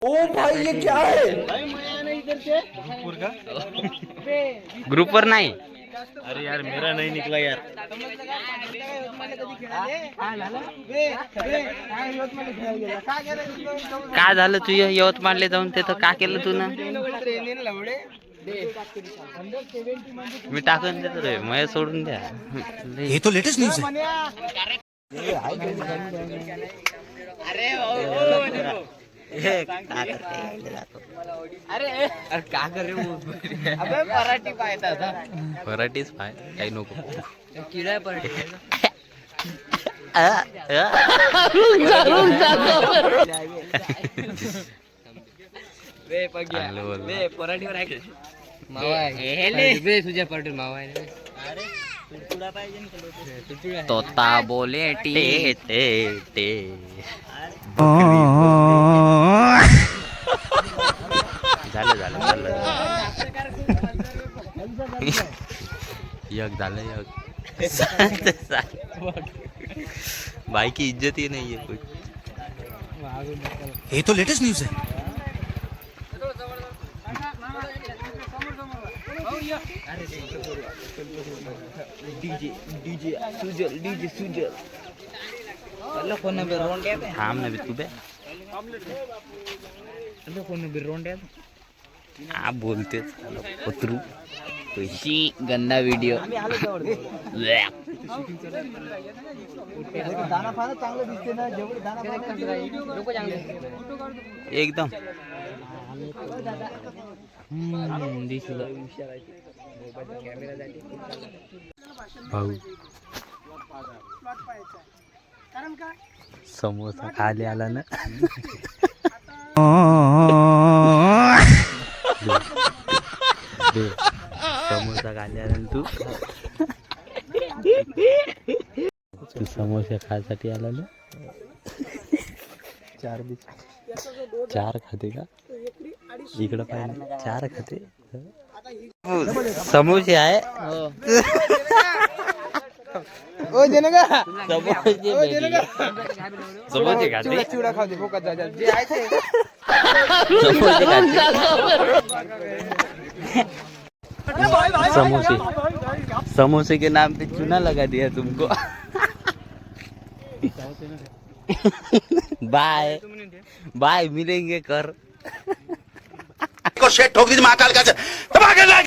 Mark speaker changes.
Speaker 1: ओ भाई ये क्या है?
Speaker 2: ग्रुप पर नाही.
Speaker 3: अरे यार मेरा नहीं निकला यार.
Speaker 2: काय झालं तू यवतमाळला जाऊन तिथं का केलं तू ना? मी टाकून देतो रे, मग सोडून द्या.
Speaker 4: ये तो लेटेस्ट न्यूज है.
Speaker 2: अरे का कर रे पराठी पाहता पराठीच पाय काही नको किडा पराठी. तोता बोले टे टे टे. झालं झालं झालं यक झालं यक. भाई की इज्जत ही नहीं है कुछ.
Speaker 4: ये तो लेटेस्ट न्यूज है.
Speaker 2: थांब ना बी तू बे. आप बोलते पत्रू कशी गंदा व्हिडिओ. एकदम भाऊ समोसा खाली आला ना. समोसा खाली आला ना तू. तू समोसे खायसाठी आला ना. चार खाते का इकडं पाहिजे. चार खाते समोसे आहे.
Speaker 1: ओ देना का?
Speaker 2: समोसे खाते.
Speaker 1: चिवडा खाऊ दे फोकत जा जे आहे ते.
Speaker 2: समोसे समोसे के नाम पे चूना लगा दिया तुमको. बाय बाय मिलेंगे कर.
Speaker 4: को शेट ठोक दी महाकाल का